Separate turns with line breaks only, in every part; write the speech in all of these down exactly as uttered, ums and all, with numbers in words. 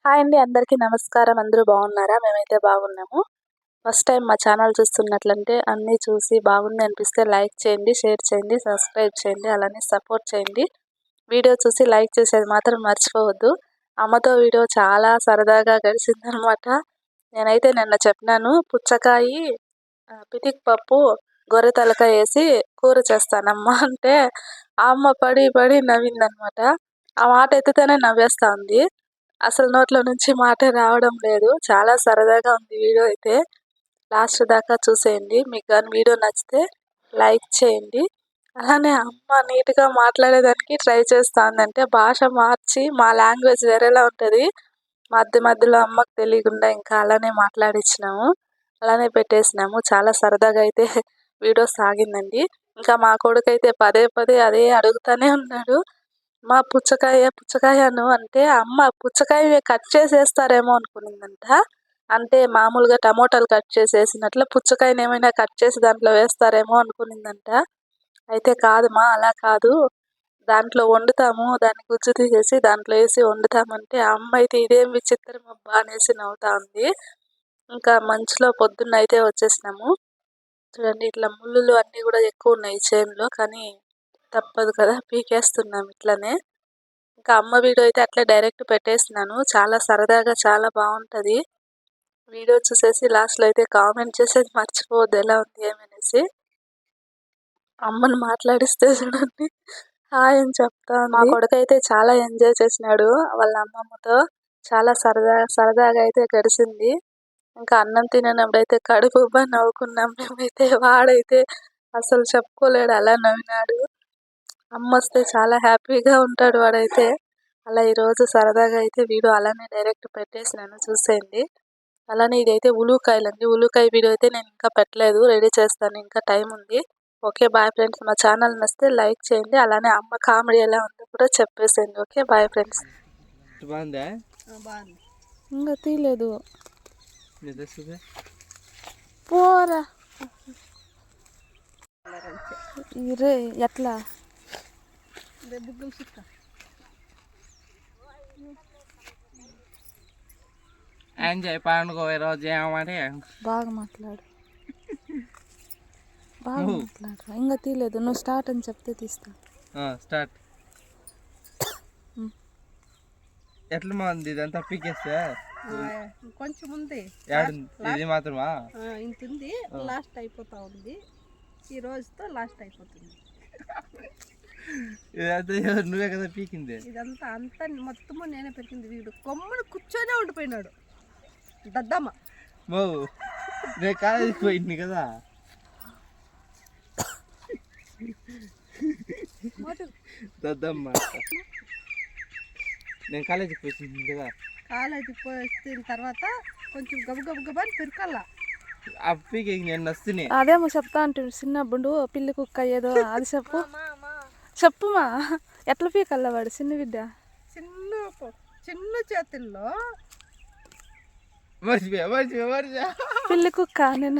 Hi అండి, అందరికీ నమస్కారం. అందరూ బాగున్నారా? మేమైతే బాగున్నాము. ఫస్ట్ టైం మా ఛానల్ చూస్తున్నట్లంటే అన్నీ చూసి బాగుంది అనిపిస్తే లైక్ చేయండి, షేర్ చేయండి, సబ్స్క్రైబ్ చేయండి, అలానే సపోర్ట్ చేయండి. వీడియో చూసి లైక్ చేసేది మాత్రం మర్చిపోవద్దు. అమ్మతో వీడియో చాలా సరదాగా గడిచిందనమాట. నేనైతే నిన్న చెప్పినాను, పుచ్చకాయ పితిక్ పప్పు గొర్రె తలకాయ వేసి కూర చేస్తానమ్మా అంటే ఆ అమ్మ పడి పడి నవ్విందనమాట. ఆ మాట ఎత్తితేనే నవ్వేస్తా ఉంది. అసలు నోట్లో నుంచి మాటే రావడం లేదు. చాలా సరదాగా ఉంది వీడియో అయితే. లాస్ట్ దాకా చూసేయండి. మీకు కానీ వీడియో నచ్చితే లైక్ చేయండి. అలానే అమ్మ నీట్గా మాట్లాడేదానికి ట్రై చేస్తుందంటే భాష మార్చి మా లాంగ్వేజ్ వేరేలా ఉంటుంది. మధ్య మధ్యలో అమ్మకు తెలియకుండా ఇంకా అలానే మాట్లాడించినాము, అలానే పెట్టేసినాము. చాలా సరదాగా అయితే వీడియో సాగిందండి. ఇంకా మా కొడుకు అయితే పదే పదే అదే అడుగుతూనే ఉన్నాడు. మా పుచ్చకాయ పుచ్చకాయను అంటే అమ్మ పుచ్చకాయ కట్ చేసేస్తారేమో అనుకునిందంట. అంటే మామూలుగా టమోటాలు కట్ చేసేసినట్లు పుచ్చకాయని ఏమైనా కట్ చేసి దాంట్లో వేస్తారేమో అనుకునిందంట. అయితే కాదమ్మా, అలా కాదు, దాంట్లో వండుతాము, దాన్ని గుజ్జు తీసేసి దాంట్లో వేసి వండుతామంటే ఆ అమ్మ అయితే ఇదేం విచిత్రం అబ్బా అనేసి నవ్వుతా ఉంది. ఇంకా మంచులో పొద్దున్న అయితే వచ్చేసినాము. చూడండి, ఇట్లా ముళ్ళులు అన్నీ కూడా ఎక్కువ ఉన్నాయి చేనులో, కానీ తప్పదు కదా, పీకేస్తున్నాం ఇట్లనే. ఇంకా అమ్మ వీడియో అయితే అట్లా డైరెక్ట్ పెట్టేసినాను. చాలా సరదాగా చాలా బాగుంటుంది. వీడియో చూసేసి లాస్ట్లో అయితే కామెంట్ చేసేది మర్చిపోవద్దు ఎలా ఉంది ఏమనేసి. అమ్మను మాట్లాడిస్తే చూడండి హాయ్ అని చెప్తా. మా కొడుకు అయితే చాలా ఎంజాయ్ చేసినాడు వాళ్ళ అమ్మమ్మతో. చాలా సరదా సరదాగా అయితే గడిచింది. ఇంకా అన్నం తినప్పుడైతే కడుపు ఉబ్బా నవ్వుకున్నాం మేమైతే. వాడైతే అసలు చెప్పుకోలేడు, అలా నవ్వినాడు. అమ్మ వస్తే చాలా హ్యాపీగా ఉంటాడు వాడైతే. అలా ఈరోజు సరదాగా అయితే వీడియో అలానే డైరెక్ట్ పెట్టేసినాను, చూసేయండి. అలానే ఇదైతే ఉల్లికాయలు అండి. ఉల్లికాయ వీడియో అయితే నేను ఇంకా పెట్టలేదు, రెడీ చేస్తాను, ఇంకా టైం ఉంది. Okay bye friends. మా ఛానల్ నచ్చితే లైక్ చేయండి, అలానే అమ్మ కామెడీ ఎలా ఉందో కూడా చెప్పేసేయండి. Okay bye friends. ఇంకా తీయలేదు పోరా ఇరే ఎట్లా
ఎంజాయ్ పండుగ ఈరోజు ఏమంటే
బాగా మాట్లాడు, బాగా మాట్లాడు. ఇంకా తీయలేదు, నువ్వు స్టార్ట్ అని చెప్తే తీస్తా.
స్టార్ట్. ఎట్లా మంది ఇదంతా పీకేస్తే
కొంచెం ఉంది,
ఇది మాత్రమా
ఇంత ఉంది, లాస్ట్ అయిపోతా ఉంది. ఈ రోజుతో లాస్ట్ అయిపోతుంది.
ఇదంతా నువ్వే కదా పీకింది.
ఇదంతా అంతా మొత్తము నేనే పెరిగింది. వీడు కొమ్మను కూర్చొనే ఉండిపోయినాడు దద్దమ్మ.
మో నేను కాలేజీకి పోయింది కదా. దద్దమ్మ నేను కాలేజీకి పోయింది కదా.
కాలేజీకి పోయిన తర్వాత కొంచెం గబ గబ గబని పెరకాల.
ఆ పీకి నేను నస్తున్నాయి.
అదేమో చెప్తా అంటే చిన్నప్పుడు పిల్లి కుక్క ఏదో అది చెప్పు చెప్పుమా. ఎట్లా పీకల్లా వాడు చిన్న బిడ్డ?
చిన్న చిన్న చేతుల్లో
మర్చిపోయా మర్చిపోయా మర్చిపోయా
పిల్లి కుక్క. నేను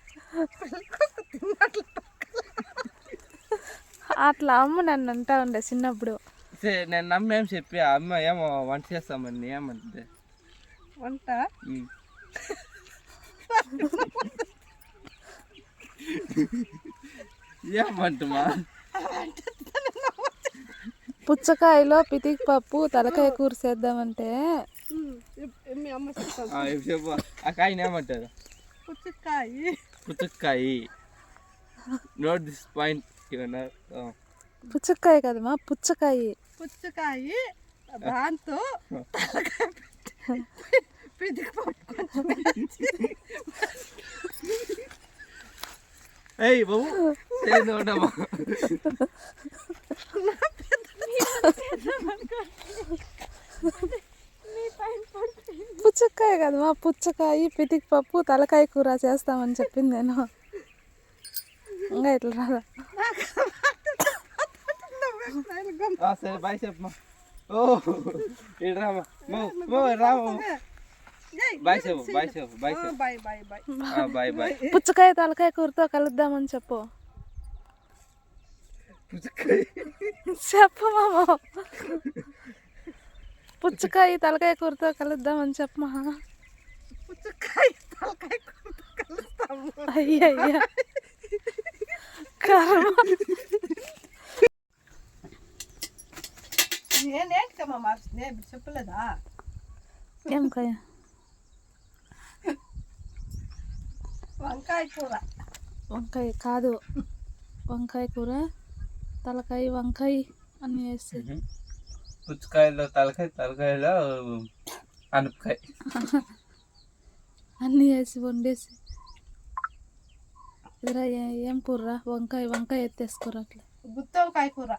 అట్లా అమ్మ నన్ను అంటా ఉండే చిన్నప్పుడు.
నేను నమ్మేం చెప్పి అమ్మ ఏమో వంట చేస్తామని ఏమంటే
వంట
ఏమంటమా.
పుచ్చకాయలో పితిక్ పప్పు తలకాయ కూర చేద్దామంటే
చెప్పు ఆ కాయని ఏమంటారు?
పుచ్చకాయ.
పుచ్చకాయ. Note this point.
పుచ్చకాయ కదమ్మా, పుచ్చకాయ.
పుచ్చకాయ దాంతో పితిక్ పప్పు.
ఏయ్ బాబు ఉండమ్మా.
పుచ్చకాయ కదమ్మా, పుచ్చకాయ పితిక్ పప్పు తలకాయ కూర చేస్తామని చెప్పింది నేను. ఇంకా ఇట్లా రాదా?
సరే బాయ్ చెప్పమ్మా. ఓ ఇటు రామా రామా. బాయ్ చెప్పు బాయ్ చెప్పు బాయ్ చెప్పు
bye bye bye
bye bye.
పుచ్చకాయ తలకాయ కూరతో కలుద్దామని చెప్పు.
పుచ్చకాయ
చెప్పు మామ. పుచ్చకాయ తలకాయ కూరతో కలుద్దామని చెప్పమా.
పుచ్చకాయ తలకాయ కూరతో కలుస్తాము.
అయ్యయ్యా కర్మ.
నేనేంటికమ్మా మార్చింది ఇప్పుడు చెప్పలేదా?
ఏం కాయ?
వంకాయ కూర.
వంకాయ కాదు, వంకాయ కూర తలకాయ వంకాయ అన్నీ వేసి
పుచ్చకాయలో తలకాయ, తలకాయలో అనపకాయ
అన్నీ వేసి వండేసి. ఇదిరా ఏం కూర? వంకాయ వంకాయ ఎత్తేసుకోరా అట్లా.
గుత్తి వంకాయ కూర.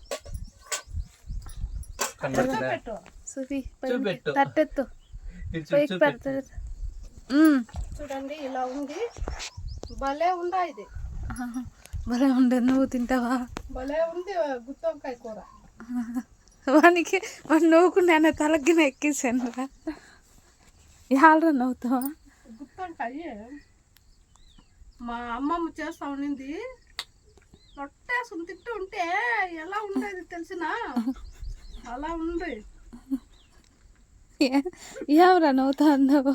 పెట్టు
సుఫీ
చూపెట్టు.
తట్టెత్తు పైకి పెడతాడు.
చూడండి ఇలా ఉంది, భలే ఉందా ఇది?
భలే ఉండే. నువ్వు తింటావా?
భలే ఉంది గుత్తి వంకాయ కూర.
వానికి వాడు నవ్వుకుండా ఆయన తలగిన ఎక్కేసాను రా. యాలరా నవ్వుతావా?
గుత్తి వంకాయ మా అమ్మమ్మ చేస్తా ఉండింది, రొట్టేసుకుని తింటూ ఉంటే ఎలా ఉండేది తెలిసిన అలా ఉంది.
ఏమరా నవ్వుతా అన్నావు?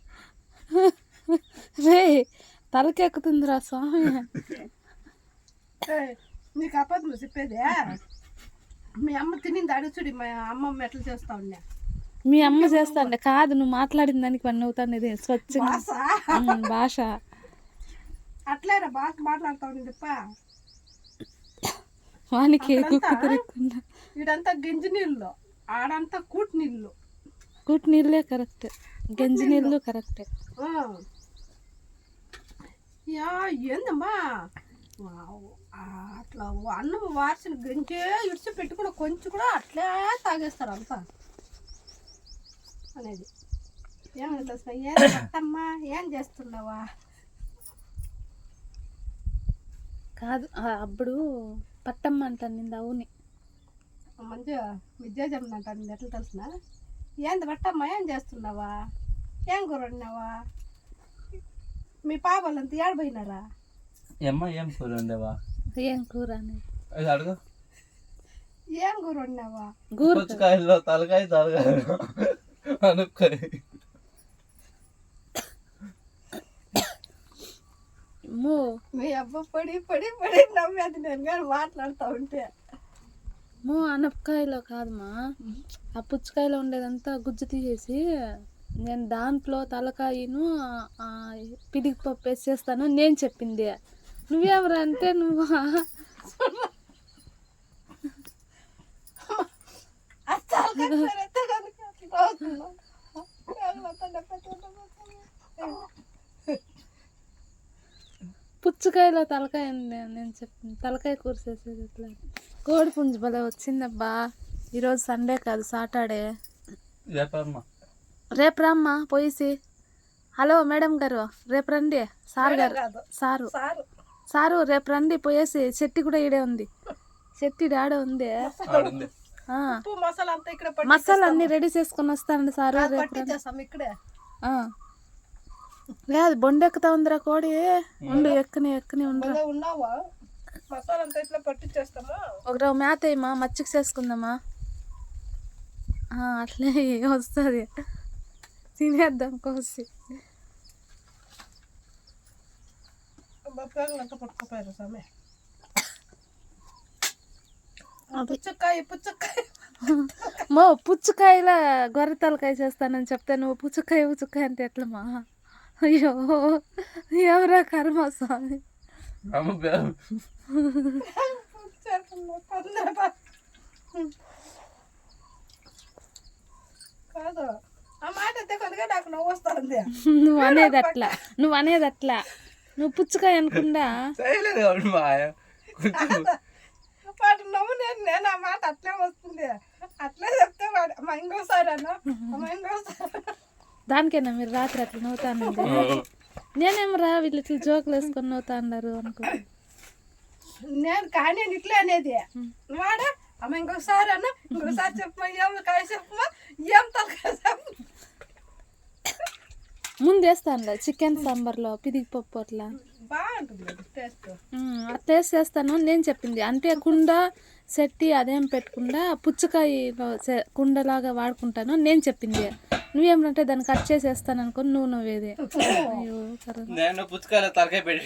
రే తలకెక్కుతుందిరా స్వామి.
నీకు అబద్ధం చెప్పేది? మీ అమ్మ తినింది అడుచుడి, మా అమ్మమ్మ ఎట్లా చేస్తా ఉన్నా.
మీ అమ్మ చేస్తాండే కాదు, నువ్వు మాట్లాడిన దానికి వన్ అవుతాను. ఇది స్వచ్ఛంగా భాష
అట్లేరా బాగా మాట్లాడుతా ఉంది తప్ప.
వానికి కుక్కు తిరగకుండా.
ఇడంతా గంజి నీళ్ళు, ఆడంతా కూటి నీళ్ళు.
కూటి నీళ్ళే కరెక్ట్, గంజి నీళ్ళు కరెక్టే.
యా ఏందమ్మా అట్లా అన్నం వార్చిన గంజే ఇడిచి పెట్టుకుని కొంచెం కూడా అట్లే తాగేస్తారు అంతా అనేది. ఏమని తెలిసిన ఏం అత్తమ్మా ఏం చేస్తున్నావా?
కాదు అప్పుడు పట్టమ్మ అంటాను నింది. అవుని
మంచిగా విద్యా చెప్పినట్టు ఎట్లా తెలిసిన? ఏంది పట్టమ్మా ఏం చేస్తున్నావా? ఏం కూర వండినావా? మీ పాపలంతా ఏడపోయినారా?
ఏమ్మా ఏం కూర వండావా?
ఏం కూర అనేది
అడుగు.
ఏం కూర వండినావా?
పుచ్చకాయలో తలకాయ, తలకాయలో అనపకాయ.
మీ అబ్బ పడి పడి పడి నవ్వేది నేను కానీ మాట్లాడుతూ ఉంటే.
మో అనపకాయలో కాదమ్మా, ఆ పుచ్చకాయలో ఉండేదంతా గుజ్జు తీసేసి నేను దాంట్లో తలకాయను పిడికి పప్పు వేసేస్తాను నేను చెప్పింది. నువ్వేమరా అంటే నువ్వు పుచ్చకాయలో తలకాయ నేను చెప్పింది. తలకాయ కూర్చేసేది ఇట్లా. కోడి పుంజు భలే వచ్చిందబ్బా. ఈరోజు సండే కాదు, సాటర్డే. రేపు రమ్మా పోయిసి. హలో మేడం గారు రేపు రండి. సార్ గారు సారు సారు రేపు రండి పోయేసి. చెట్టి కూడా ఈడే ఉంది, చెట్టి ఆడే ఉంది. మసాలా అన్ని రెడీ చేసుకొని వస్తానండి సారు. లేదు బొండెక్కుతా ఉందిరా కోడి. ఉండు ఎక్కని ఎక్కని ఉండరా. ఒక మేత అయ్యమా మచ్చికి చేసుకుందామా? అట్లే వస్తుంది, తినేద్దాం కోసి.
పుచ్చకాయ పుచ్చకాయ
మో పుచ్చకాయల గొర్రె తలకాయ చేస్తానని చెప్తే నువ్వు పుచ్చకాయ పుచ్చకాయ అంటే ఎట్లమ్మా? అయ్యో ఎవరా కర్మ స్వామి.
కాదు ఆ మాట కొద్దిగా నాకు నవ్వు వస్తుంది.
నువ్వు అనేది అట్లా, నువ్వు అనేది అట్లా. నువ్వు పుచ్చకాయ అనుకుండా
వాడు నవ్వు. నేను నేను ఆ మాట అట్లే వస్తుంది, అట్లే చెప్తే వాడు అమ్మ ఇంకోసారి అన్నా అమ్మ ఇంకోసారి.
దానికైనా మీరు రాత్రి అట్లా నవ్వుతాను. నేనేమో రా వీళ్ళు ఇట్లా జోకులు వేసుకొని నవ్వుతా అన్నారు అనుకో.
నేను కానీ నేను ఇట్లే అనేది. వాడా అమ్మ ఇంకొకసారి అన్న ఇంకొకసారి చెప్పమా, ఏం కాయ చెప్పమా, ఏం తలకాయ చెప్పు.
ముందు వేస్తాను చికెన్ సాంబార్లో పిదిగి పప్పు అట్లా
బాగుంటుంది అది టేస్ట్.
ఉమ్, ఆ టేస్ట్ చేస్తాను నేను చెప్పింది. అంటే కుండ సెట్టి అదేం పెట్టకుండా పుచ్చకాయలో సె- కుండలాగా వాడుకుంటాను నేను చెప్పింది. నువ్వేమంటే దాన్ని కట్ చేసేస్తాను అనుకో నువ్వు నవ్వేది. అయ్యో కర్ర.
నేను పుచ్చకాయలో తలకాయ పెట్టి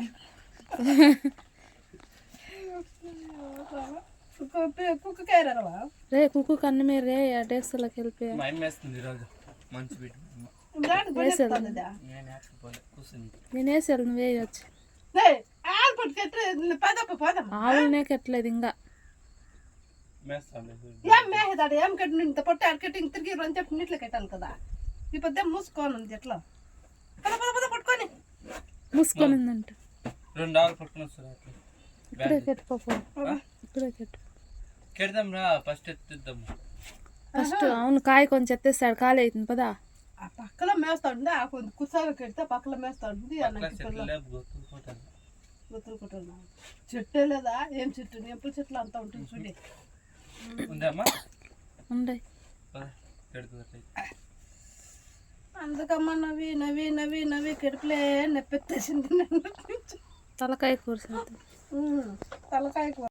కుక్కకాయ రవ్వ
రే కుక్కు కన్నమే రే ఆ డేక్స్లోకి వెళ్ళిపోయా.
మా అమ్మ వేస్తుంది ఈరోజు మంచి బిడ్డ.
దానికి కొనేస్తుంది.
నేను వేసుకోలే కూర్చుంది.
నేను వేసేది నువ్వు వేయచ్చు.
ఆలు పట్టుకెట్టు పదప్ప పోదమ్మా.
ఆవులనే కట్టలేదు ఇంకా.
మేస్తాను
ఏం మేహదాడు ఏం కట్టి ఇంత పొట్ట అడకట్టి ఇంక తిరిగి రెండు చెప్పి నీటిలో కట్టాలి కదా. ఈ పొద్దు మూసుకోను ఉంది ఎట్లా పద పద పద పట్టుకొని
మూసుకొని ఉందంట.
రెండు ఆవులు పట్టుకుని వస్తారు అట్లా
ఇప్పుడే కట్టుకోపో. ఇప్పుడే కట్టు.
కెడదాం రా ఫస్ట్ ఎత్తిద్దాము.
ఫస్ట్ అవును కాయ కొంచెం ఎత్తేస్తాడు కాలు అవుతుంది పదా.
ఆ పక్కలో మేస్తా ఉంది. ఆ కొంచెం కుసాగా కడితే పక్కలో మేస్తా ఉంటుంది.
చెట్లు లేపు గుర్తుకుంటాను.
గుర్తుకుంటున్నా చెట్టే లేదా ఏం చెట్టు ఎప్పుడు చెట్లు అంతా ఉంటుంది చూడి.
ఉందమ్మా
ఉండయి.
కెడుతుంది
అందుకమ్మా నవ్వి నవ్వి నవ్వి నవ్వి కెడుపులే నెప్పెత్తేసింది.
తలకాయ కూర
తలకాయ కూర